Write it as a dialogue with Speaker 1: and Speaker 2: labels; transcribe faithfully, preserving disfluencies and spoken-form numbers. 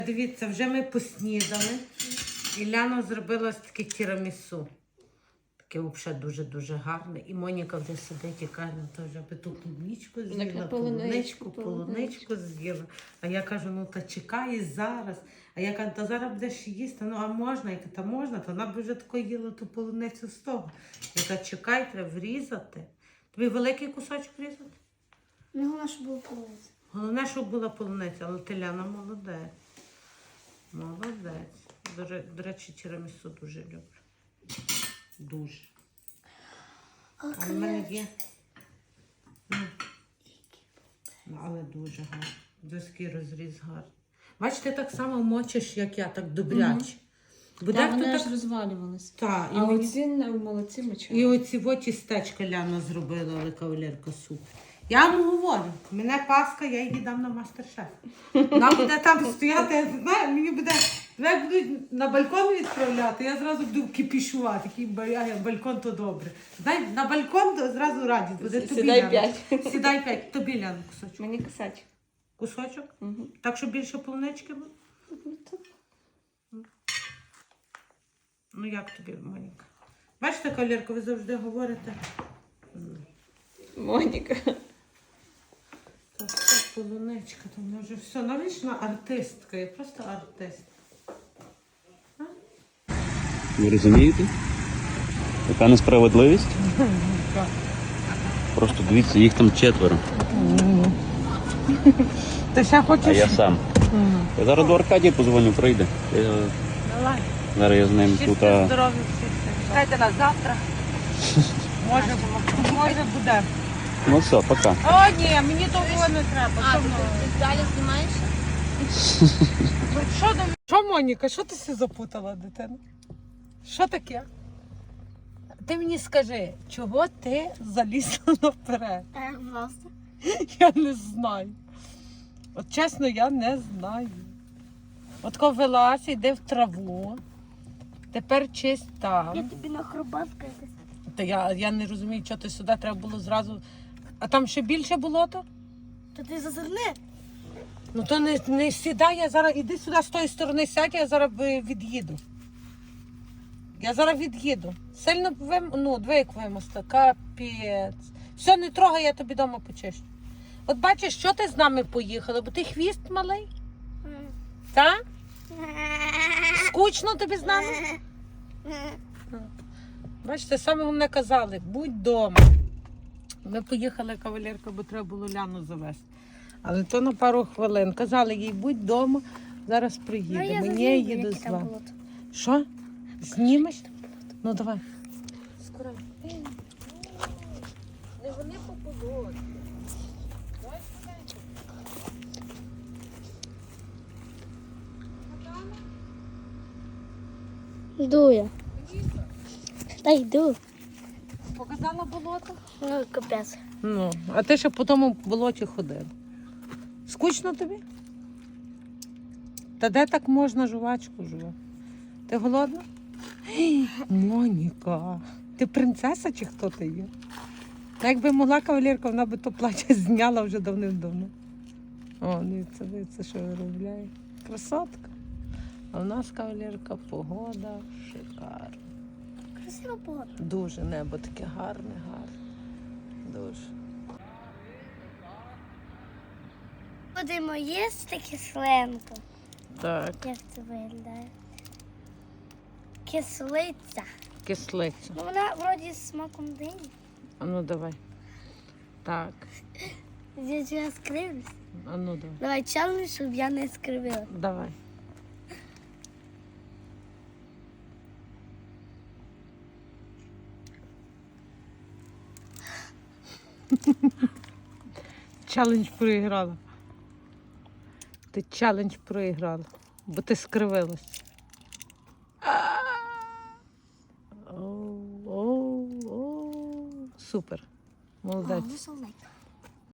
Speaker 1: Дивіться, вже ми поснідали. І Ляна зробила таке тірамісу. Таке взагалі дуже-дуже гарне. І Моніка вже сидить і каже, то вже би ту клубничку з'їла, полуничку, полуничку з'їла. А я кажу, ну та чекай зараз. А я кажу, та зараз будеш їсти, ну а можна? Я кажу, та можна, то вона б вже тако їла ту полуницю з того. Я кажу, чекай, треба врізати. Тобі великий кусочок врізати?
Speaker 2: Ну, головне, щоб була полуниця.
Speaker 1: Головне, щоб була полуниця, але ти, Ляна, молодець. Молодець. До, ре- до речі, тірамісу дуже люблю. Дуже.
Speaker 2: А
Speaker 1: А в мене є. Ну. Ну, але дуже гарно. Доський розріз гарний. Бачите, так само мочиш, як я, так добряче. Бо
Speaker 3: Та
Speaker 1: дехто
Speaker 3: вони
Speaker 1: так...
Speaker 3: аж розвалювались.
Speaker 1: Та, і,
Speaker 3: А
Speaker 1: мені-
Speaker 3: оці не молодці мочали.
Speaker 1: і оці во тістечка Ляна зробила, але кавалерка супер. Я вам говорю, мене Паска, я її дам на мастер-шеф. Вона буде там стояти, я знаю, мені буде, як будуть на балкон відправляти, я зразу буду кипішувати, такий ба- балкон то добре. Знай, на балкон то зразу радість буде. Тобі,
Speaker 3: Сідай
Speaker 1: Ляна.
Speaker 3: п'ять.
Speaker 1: Сідай п'ять, тобі, Ляна, кусочок.
Speaker 3: Мені кисач.
Speaker 1: Кусочок?
Speaker 3: Угу.
Speaker 1: Так, щоб більше полунички було? Ну як тобі, Моніка? Бачите, кавалерка, ви завжди говорите.
Speaker 3: Моніка.
Speaker 1: Та все, полуничка, то вона вже все. Навічна артистка, я просто артист.
Speaker 4: Ви розумієте? Яка несправедливість? Просто дивіться, їх там четверо,
Speaker 1: Ти ще хочеш?
Speaker 4: а я сам. Я зараз до Аркадія позвоню, прийде. Я...
Speaker 1: Давай.
Speaker 4: Зараз я з ним тут. А...
Speaker 1: Здоров'я всіх. Чекайте нас завтра. Може, може буде.
Speaker 4: Ну все, пока.
Speaker 1: О, ні, мені того не треба.
Speaker 2: А,
Speaker 1: Що,
Speaker 2: ти
Speaker 1: ми-
Speaker 2: далі знімаєш?
Speaker 1: що, там- що, Моніка, що ти все запутала, дитина? Що таке? Ти мені скажи, чого ти залізла наперед?
Speaker 2: Так, просто.
Speaker 1: Я не знаю. От чесно, я не знаю. От коли вилазь, йди в траву. Тепер чисть
Speaker 2: Я
Speaker 1: там.
Speaker 2: тобі на хробавку якось.
Speaker 1: Та я, я не розумію, що ти сюди треба було зразу. А там ще більше болото?
Speaker 2: То ти зазирни.
Speaker 1: Ну то не, не сідай, я зараз іди сюди з тої сторони сядь, я зараз ви- від'їду. Я зараз від'їду. Сильно вим... ну, диви, як вимости. Капець. Все, не трогай, я тобі вдома почищу. От бачиш, що ти з нами поїхала, бо ти хвіст малий, так? Скучно тобі з нами? Бачите, саме головне казали, будь вдома. Ми поїхали, кавалерка, бо треба було Ляну завести. Але то на пару хвилин. Казали їй, будь вдома, зараз приїдемо. Ні, я їду з вами. Що? Знімеш? Ну давай. Скоро. Не вони по погоді.
Speaker 2: Йду я. Та йду.
Speaker 1: Показала болото?
Speaker 2: Ну, капець.
Speaker 1: Ну, а ти ще по тому болоті ходив. Скучно тобі? Та де так можна жувачку жувати? Ти голодна? Гей, Моніка, ти принцеса чи хто ти є? Та якби могла кавалерка, вона би то плаття зняла вже давним-давно. О, дивіться, дивіться, що виробляє. Красотка. А в нас кавалерка погода шикарна.
Speaker 2: Красива погода.
Speaker 1: Дуже небо таке гарне, гарне. Дуже.
Speaker 2: Будемо їсти кисленку.
Speaker 1: Так,
Speaker 2: Як це виглядає? Кислиця.
Speaker 1: кислиця.
Speaker 2: Ну, вона вроді з смаком дині.
Speaker 1: А ну давай. Так,
Speaker 2: Я ж я скривлюсь.
Speaker 1: а ну давай.
Speaker 2: Давай челендж, щоб я не скривила.
Speaker 1: Давай. Челендж проіграла. Ти челендж проіграла, бо ти скривилась. Оу, оу, оу. Супер. Молодець.
Speaker 2: солодка.